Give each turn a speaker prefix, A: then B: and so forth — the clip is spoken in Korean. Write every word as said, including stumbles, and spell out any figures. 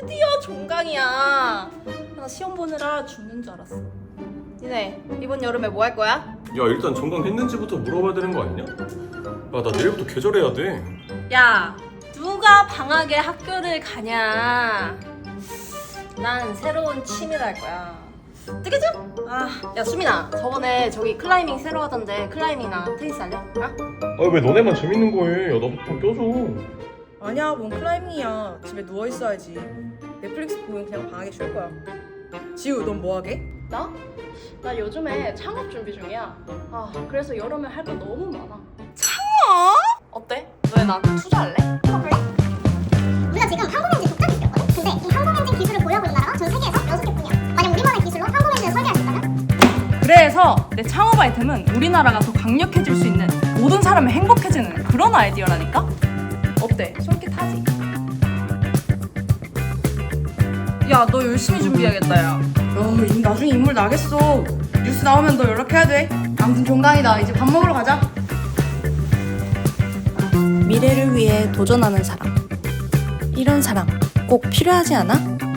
A: 드디어 종강이야. 나 시험 보느라 죽는 줄 알았어. 니네 이번 여름에 뭐 할 거야?
B: 야, 일단 종강 했는지부터 물어봐야 되는 거 아니냐? 야, 나 내일부터 계절해야 돼.
A: 야, 누가 방학에 학교를 가냐? 난 새로운 취미를 할 거야. 뜨개질? 아, 야 수민아, 저번에 저기 클라이밍 새로 하던데 클라이밍이나 테니스 할래? 어?
B: 아, 왜 너네만 재밌는 거 해? 야, 나도 좀 껴줘.
C: 아니야, 뭔 클라이밍이야. 집에 누워 있어야지. 넷플릭스 보면 그냥 방학에 쉴 거야. 지우, 넌 뭐 하게?
A: 나? 나 요즘에 창업 준비 중이야. 아, 그래서 여름에 할 거 너무 많아. 창업? 어때? 너네 나한테 투자할래?
D: 우리가 지금 항공엔진 독자기 있거든? 근데 이 항공엔진 기술을 보유하고 있는 나라가 전 세계에서 여섯 개뿐이야. 만약 우리만의 기술로 항공엔진을 설계할 수 있다면?
E: 그래서 내 창업 아이템은 우리나라가 더 강력해질 수 있는, 모든 사람이 행복해지는 그런 아이디어라니까? 어때? 솔깃하지? 야, 너 열심히 준비해야겠다. 야, 야, 이 나중에 인물 나겠어. 뉴스 나오면 너 연락해야 돼. 아무튼 종강이다. 이제 밥 먹으러 가자.
F: 미래를 위해 도전하는 사람. 이런 사람 꼭 필요하지 않아?